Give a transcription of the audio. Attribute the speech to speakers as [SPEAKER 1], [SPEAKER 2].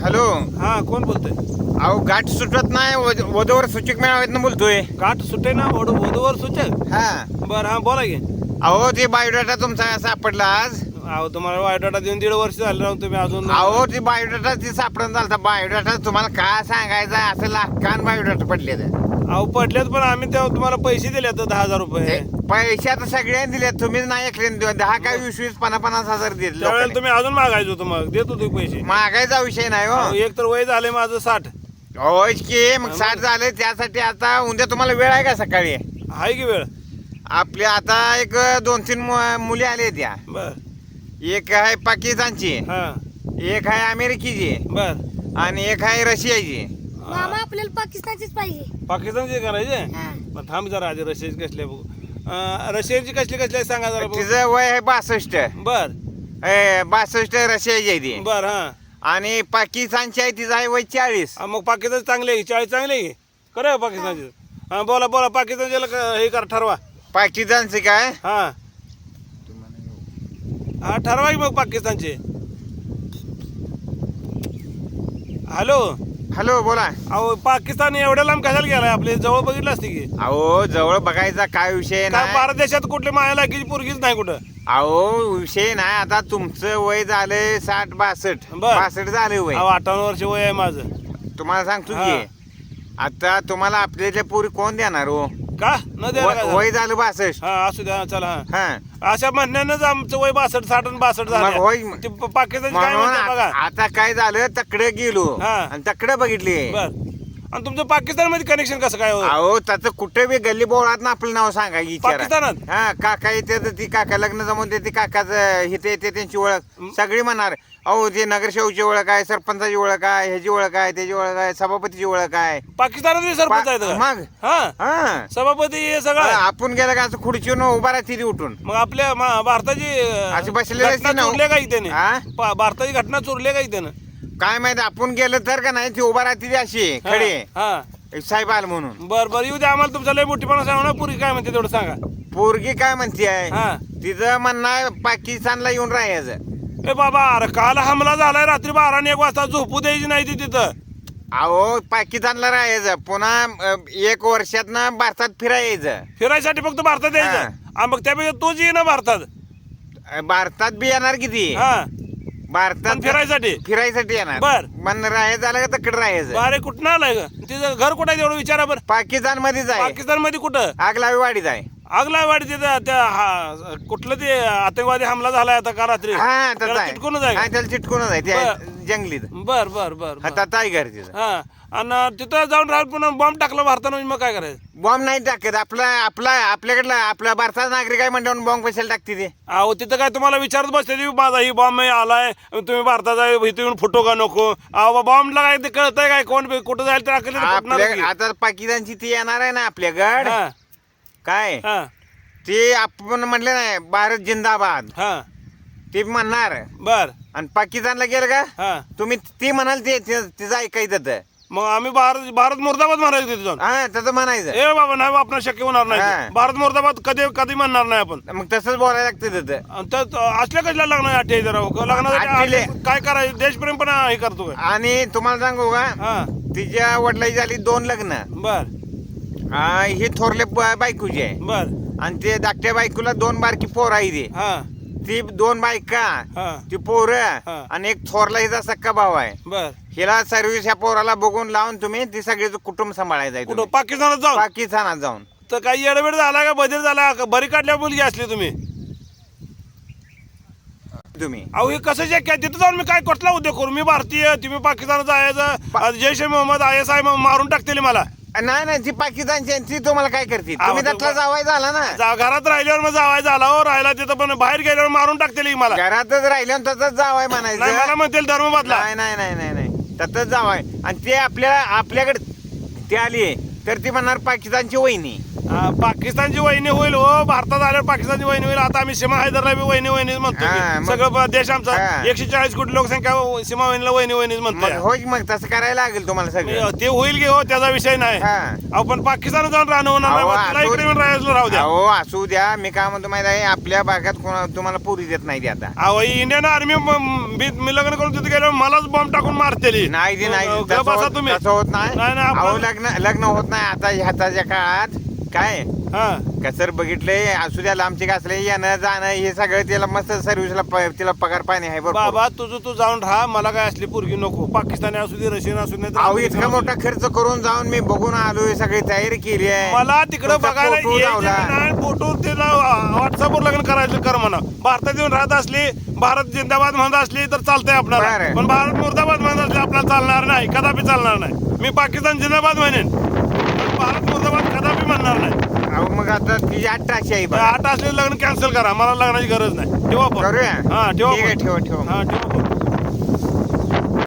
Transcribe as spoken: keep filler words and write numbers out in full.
[SPEAKER 1] Hello.
[SPEAKER 2] हा कोण बोलतोय?
[SPEAKER 1] अहो गाठ सुटत नाही वध- वधूवर सूचक मेळाव्यातनं बोलतोय.
[SPEAKER 2] काठ सुटे ना वडू वधूवर सूचक.
[SPEAKER 1] हा
[SPEAKER 2] बर हा बोला की.
[SPEAKER 1] अहो ते बायोडाटा तुमचा सापडला आज.
[SPEAKER 2] अहो तुम्हाला बायोडाटा देऊन दीड वर्ष झालं राहून तुम्ही अजून.
[SPEAKER 1] अहो ते बायोडाटा ते सापडून झालता. बायोडाटा तुम्हाला काय सांगायचं असं लाखान बायोडाटा पडले
[SPEAKER 2] अहो पडल्यात पण आम्ही तेव्हा तुम्हाला पैसे दिले आता दहा हजार रुपये.
[SPEAKER 1] पैसे आता सगळ्यांनी दिले. तुम्हीच नाही ऐकले. दहा काय वीस वीस पन्नास पन्नास हजार दिले
[SPEAKER 2] त्यावेळेला
[SPEAKER 1] लोकांनी.
[SPEAKER 2] तुम्ही अजून मागायचं होतं मग देत होते पैसे.
[SPEAKER 1] मागायचा विषय नाही हो.
[SPEAKER 2] अहो, एक तर वय झाले माझं साठ.
[SPEAKER 1] होय की मग साठ झाले त्यासाठी आता उद्या तुम्हाला वेळ आहे का सकाळी?
[SPEAKER 2] आहे की वेळ?
[SPEAKER 1] आपल्या आता एक दोन तीन मु- मुली आल्या त्या.
[SPEAKER 2] बर
[SPEAKER 1] एक आहे पाकिस्तानची,
[SPEAKER 2] हा
[SPEAKER 1] एक आहे अमेरिकेची
[SPEAKER 2] बर
[SPEAKER 1] आणि एक आहे रशियाची.
[SPEAKER 3] मामा आपल्याला पाकिस्तानचीच पाहिजे.
[SPEAKER 2] पाकिस्तानचे करायचे.
[SPEAKER 3] हा.
[SPEAKER 2] मग थांब जरा आधी रशियाची कसली आहे बघू. अं, रशियाची कसली कसली आहे सांगा जरा बघू.
[SPEAKER 1] तिचं वय आहे बासष्ट.
[SPEAKER 2] बर
[SPEAKER 1] ए, बासष्ट रशियाची आहे ती.
[SPEAKER 2] बर हा
[SPEAKER 1] आणि पाकिस्तानची आहे तिचं आहे वय चाळीस.
[SPEAKER 2] हा, मग पाकिस्तान चांगले आहे चाळीस चांगले आहे खरं पाकिस्तानचे. हा बोला बोला पाकिस्तानच्याला क- हे कर ठरवा.
[SPEAKER 1] पाकिस्तानची काय?
[SPEAKER 2] हा हा ठरवा की मग पाकिस्तानचे. हॅलो.
[SPEAKER 1] हॅलो बोला.
[SPEAKER 2] अहो पाकिस्तान एवढ्या लांब कशाला गेलाय? आपले जवळ बघितलं असते की.
[SPEAKER 1] अहो जवळ बघायचा काय विषय
[SPEAKER 2] काय
[SPEAKER 1] नाही.
[SPEAKER 2] भारत देशात कुठली माया लाकीची पोरगीच नाही कुठं.
[SPEAKER 1] अहो विषय नाही. आता तुमचं वय झालंय साठ बासष्ट.
[SPEAKER 2] बर.
[SPEAKER 1] बासष्ट झालंय वय.
[SPEAKER 2] अहो अठ्ठावन्न वर्ष वय आहे माझं.
[SPEAKER 1] तुम्हाला सांगतो
[SPEAKER 2] हा.
[SPEAKER 1] की आता तुम्हाला आपल्याच्या पोरी कोण देणार हो?
[SPEAKER 2] का न द्यायला काय
[SPEAKER 1] वय
[SPEAKER 2] झालं?
[SPEAKER 1] वय झालं बासष्ट.
[SPEAKER 2] हा असू द्या चला हा.
[SPEAKER 1] हा
[SPEAKER 2] अशा म्हणण्यानंच आमचं वय बासष्ट साठ आणि बासष्ट
[SPEAKER 1] मग होय.
[SPEAKER 2] झालं. ते प- पाकिस्तानची काय
[SPEAKER 1] म्हणून
[SPEAKER 2] म्हणते बघा.
[SPEAKER 1] आ- आता काय झालं तकडे गेलो
[SPEAKER 2] हा.
[SPEAKER 1] आणि तकडे बघितली.
[SPEAKER 2] बर आणि तुमचं पाकिस्तान मध्ये कनेक्शन कसं काय हो?
[SPEAKER 1] अहो त्याचं कुठे बी गल्ली बोळात ना आपलं नाव सांगा विचारा.
[SPEAKER 2] पाकिस्तानात?
[SPEAKER 1] हा काका येते तर ती काका लग्न जमून देते काकाचं हिथे येते त्यांची ओळख सगळी म्हणणार. अहो ते नगरसेवकची ओळख आहे, सरपंचाची ओळख आहे, ह्याची ओळख आहे, त्याची ओळख आहे, सभापतीची ओळख आहे.
[SPEAKER 2] पाकिस्तानात बी सरपंच आहेत
[SPEAKER 1] पा-
[SPEAKER 2] का?
[SPEAKER 1] मग
[SPEAKER 2] हा
[SPEAKER 1] हा
[SPEAKER 2] सभापती हे सगळं.
[SPEAKER 1] आपण गेलं का असं खुर्चीवर उभा राहते ती उठून.
[SPEAKER 2] मग आपल्या मा- भारताची अं,
[SPEAKER 1] अशी बसलेली असते
[SPEAKER 2] घटना
[SPEAKER 1] ना.
[SPEAKER 2] चोरल्या का इथे
[SPEAKER 1] हा?
[SPEAKER 2] भारताची घटना चोरल्या का इथे
[SPEAKER 1] काय माहित आपण गेलं तर का नाही ती उभा राहते ती अशी खडी
[SPEAKER 2] हा
[SPEAKER 1] साहेब आल म्हणून.
[SPEAKER 2] बर बर येऊ द्या आम्हाला तुमचा लय मोठीपणा सांगा ना. पुरी काय म्हणते तेवढं सांगा.
[SPEAKER 1] पोरगी काय म्हणते आहे
[SPEAKER 2] हा
[SPEAKER 1] तिचं म्हणणं आहे पाकिस्तानला येऊन राहायचं.
[SPEAKER 2] ए बाबा अरे काल हमला झालाय रात्री बारा आणि एक वाजता झोपू द्यायची नाही ती तिथं.
[SPEAKER 1] अहो पाकिस्तानला राहायचं पुन्हा अ, एक वर्षात ना भारतात फिरायचं.
[SPEAKER 2] फिरायसाठी फक्त भारतात यायचं. हा, मग त्यापेक्षा तोच ये ना भारतात.
[SPEAKER 1] अ, भारतात बी येणार किती
[SPEAKER 2] हा
[SPEAKER 1] भारतात
[SPEAKER 2] पण फिरायसाठी.
[SPEAKER 1] फिरायसाठी येणार.
[SPEAKER 2] बर.
[SPEAKER 1] मन राहायचं झालं का तिकडे राहायचं.
[SPEAKER 2] अरे कुठं आलाय ग तिचं घर कुठं आहे तेवढं विचारा बरं.
[SPEAKER 1] पाकिस्तान मध्येच आहे.
[SPEAKER 2] पाकिस्तान मध्ये कुठं?
[SPEAKER 1] आगलावी वाडीत आहे.
[SPEAKER 2] आगला वाढ तिथं त्या हा- कुठलं ते आतंकवादी हमला झालाय आता का रात्री?
[SPEAKER 1] हा
[SPEAKER 2] त्याला
[SPEAKER 1] त्याचा आहे.
[SPEAKER 2] चिटकूनच आहे
[SPEAKER 1] हा,
[SPEAKER 2] का?
[SPEAKER 1] त्याला चिटकूनच आहे ते
[SPEAKER 2] बर.
[SPEAKER 1] आहे जंगलीत.
[SPEAKER 2] बर बर बर बर.
[SPEAKER 1] हातात आहे घर तिथं.
[SPEAKER 2] हा आणि तिथं जाऊन राहिलं पुन्हा बॉम्ब टाकला भारतानं म्हणजे मग काय करायचं?
[SPEAKER 1] बॉम्ब नाही टाकत. आपला आपला आपल्याकडला आपला भारताचा नागरिक आहे म्हणल्यावर बॉम्ब कशाला टाकते ते?
[SPEAKER 2] अहो तिथं काय तुम्हाला विचारत बसले माझा ही बॉम्ब आलाय तुम्ही भारताचा इथे येऊन फुटो का नको? अहो बॉम्बला काय ते कळतंय काय कोण कुठं जायला तर टाकलं तर फुटणारच की.
[SPEAKER 1] आपल्या आता पाकिस्तानची ती येणार आहे ना आपल्याकड
[SPEAKER 2] हा
[SPEAKER 1] काय
[SPEAKER 2] हा
[SPEAKER 1] ते आपण म्हणले नाही भारत जिंदाबाद
[SPEAKER 2] हा
[SPEAKER 1] ते म्हणणार.
[SPEAKER 2] बर
[SPEAKER 1] आणि पाकिस्तानला गेलं का
[SPEAKER 2] हा
[SPEAKER 1] तुम्ही ती म्हणाल ते ते- तिचं ऐकायचं तर.
[SPEAKER 2] मग आम्ही भारत भारत मुर्दाबाद म्हणायचं तिथे जाऊन.
[SPEAKER 1] हा तसं म्हणायचं.
[SPEAKER 2] ए बाबा नाही आपण शक्य होणार
[SPEAKER 1] हा.
[SPEAKER 2] नाही. भारत मुर्दाबाद कधी कधी म्हणणार नाही आपण.
[SPEAKER 1] मग तसंच बोलायला लागतं तिथं.
[SPEAKER 2] आणि त्यात असल्या कसल्या लग्न अठ्ठे जरा लग्नासाठी
[SPEAKER 1] अठ्ठेले.
[SPEAKER 2] आले- काय करायचं देशप्रेम पण हे करतो काय.
[SPEAKER 1] आणि तुम्हाला सांगू का
[SPEAKER 2] हा
[SPEAKER 1] तिच्या वडिलाची झाली दोन लग्न.
[SPEAKER 2] बर
[SPEAKER 1] हा, ही थोरले ब- बायकोची आहे.
[SPEAKER 2] बर
[SPEAKER 1] आणि ते धाकट्या बायकोला दोन बारकी पोर आहे ती.
[SPEAKER 2] हा
[SPEAKER 1] ती दोन बायका
[SPEAKER 2] हा
[SPEAKER 1] ती पोर
[SPEAKER 2] हा.
[SPEAKER 1] आणि एक थोरला हिचा सक्का भाऊ आहे.
[SPEAKER 2] बर
[SPEAKER 1] हिला सर्व्हिस ह्या पोराला बघून लावून तुम्ही ती सगळे कुटुंब सांभाळायचं आहे
[SPEAKER 2] कुठं
[SPEAKER 1] तुम्ही.
[SPEAKER 2] पाकिस्तानात जाऊन?
[SPEAKER 1] पाकिस्तानात जाऊन.
[SPEAKER 2] तर काही येडबेड झाला का बदल झाला का बरी काढल्या मुलगी असली तुम्ही?
[SPEAKER 1] तुम्ही
[SPEAKER 2] अहो हे कसं शक्य आहे? तिथं जाऊन मी काय कुठला उद्योग करू? मी भारतीय तुम्ही पाकिस्तानात जायचं आज Jaish e Mohammed I S I मारून टाकतील मला.
[SPEAKER 1] नाही नाही ती पाकिस्तानची आहे, ती तुम्हाला काय करते?
[SPEAKER 2] अहो,
[SPEAKER 1] तुम्ही
[SPEAKER 2] तो-
[SPEAKER 1] त्यातला जावाय झाला ना.
[SPEAKER 2] जा- घरात राहिल्यावर मग जावाय झाला हो राहिला तिथं पण बाहेर गेल्यावर मारून टाकतील की मला.
[SPEAKER 1] घरातच राहिलं तसंच जावाय
[SPEAKER 2] नाही मला
[SPEAKER 1] म्हणायचं.
[SPEAKER 2] म्हणतील धर्म बदला.
[SPEAKER 1] नाही नाही नाही नाही नाही तसंच जावाय. आणि ते आपल्या आपल्याकडे ते आली तर ती म्हणणार पाकिस्तानची वहिनी.
[SPEAKER 2] हा, पाकिस्तानची वहिनी होईल हो भारतात आल्यावर पाकिस्तानची वहिनी होईल. आता आम्ही सीमा हैदरला बी वहिनी वहिनीच म्हणतो
[SPEAKER 1] हा,
[SPEAKER 2] की.
[SPEAKER 1] मग-
[SPEAKER 2] सगळं ब- देश आमचा
[SPEAKER 1] हा.
[SPEAKER 2] एकशे चाळीस कोटी लोकसंख्या सीमा वहिनीला वहिनी वहिनीच
[SPEAKER 1] मग
[SPEAKER 2] म्हणतो
[SPEAKER 1] होय मग तसं करायला लागेल तुम्हाला सगळं.
[SPEAKER 2] ते होईल की हो त्याचा विषय नाही.
[SPEAKER 1] हा.
[SPEAKER 2] अहो पण पाकिस्तान जाऊन राहणं होणार नाही.
[SPEAKER 1] अहो,
[SPEAKER 2] मग तिला
[SPEAKER 1] असू-
[SPEAKER 2] इकडे येऊन राहायचं राहू द्या.
[SPEAKER 1] अहो असू द्या. मी काय म्हणतो माहिती आहे आपल्या भागात कोणा तुम्हाला पुरी देत नाही ती आता.
[SPEAKER 2] अहो इंडियन आर्मी मी लग्न करून तिथे गेल्यावर मलाच बॉम्ब टाकून मारतेली.
[SPEAKER 1] नाही ते नाही
[SPEAKER 2] अहो,
[SPEAKER 1] तसं
[SPEAKER 2] गप्प बसा
[SPEAKER 1] होत-
[SPEAKER 2] तुम्ही.
[SPEAKER 1] तसं होत नाही.
[SPEAKER 2] नाही, नाही,
[SPEAKER 1] अहो
[SPEAKER 2] आपण-
[SPEAKER 1] लग्न लग्न होत नाही आता ह्याच्या काळात काय
[SPEAKER 2] हा
[SPEAKER 1] कसर बघितलंय असू द्या लांबचे असले येणं जाणं हे सगळं त्याला मस्त सर्व्हिसला प- तिला पगार पाणी आहे बरोबर.
[SPEAKER 2] बाबा तुझं तू जाऊन राहा. मला काय असली पोरगी नको. पाकिस्तानी असू दे रशियन असू दे
[SPEAKER 1] अहो इतका मोठा खर्च करून जाऊन मी बघून आलोय सगळी तयारी केली आहे.
[SPEAKER 2] मला तिकडं
[SPEAKER 1] तुमचा
[SPEAKER 2] बघायला
[SPEAKER 1] फोटो लावला.
[SPEAKER 2] फोटो तिला व्हॉट्सअपवर लग्न करायचं कर म्हणा. भारतात येऊन राहत असली भारत जिंदाबाद म्हणत असली तर चालतंय आपल्याला.
[SPEAKER 1] बरं.
[SPEAKER 2] पण भारत मुर्दाबाद म्हणत असली आपल्याला चालणार नाही. कदापि चालणार नाही. मी पाकिस्तान जिंदाबाद म्हणेन पण भारत मुर्दाबाद कदापि म्हणणार नाही.
[SPEAKER 1] अहो मग आता तिची अठराशे आहे बघा.
[SPEAKER 2] आठ असलेलं लग्न कॅन्सल करा. मला लग्नाची गरज नाही. ठेवा फोन.
[SPEAKER 1] करूया
[SPEAKER 2] हा ठेवा
[SPEAKER 1] ठीक आहे
[SPEAKER 2] फोन.
[SPEAKER 1] ठेवा ठेवा
[SPEAKER 2] हा ठेवा फोन.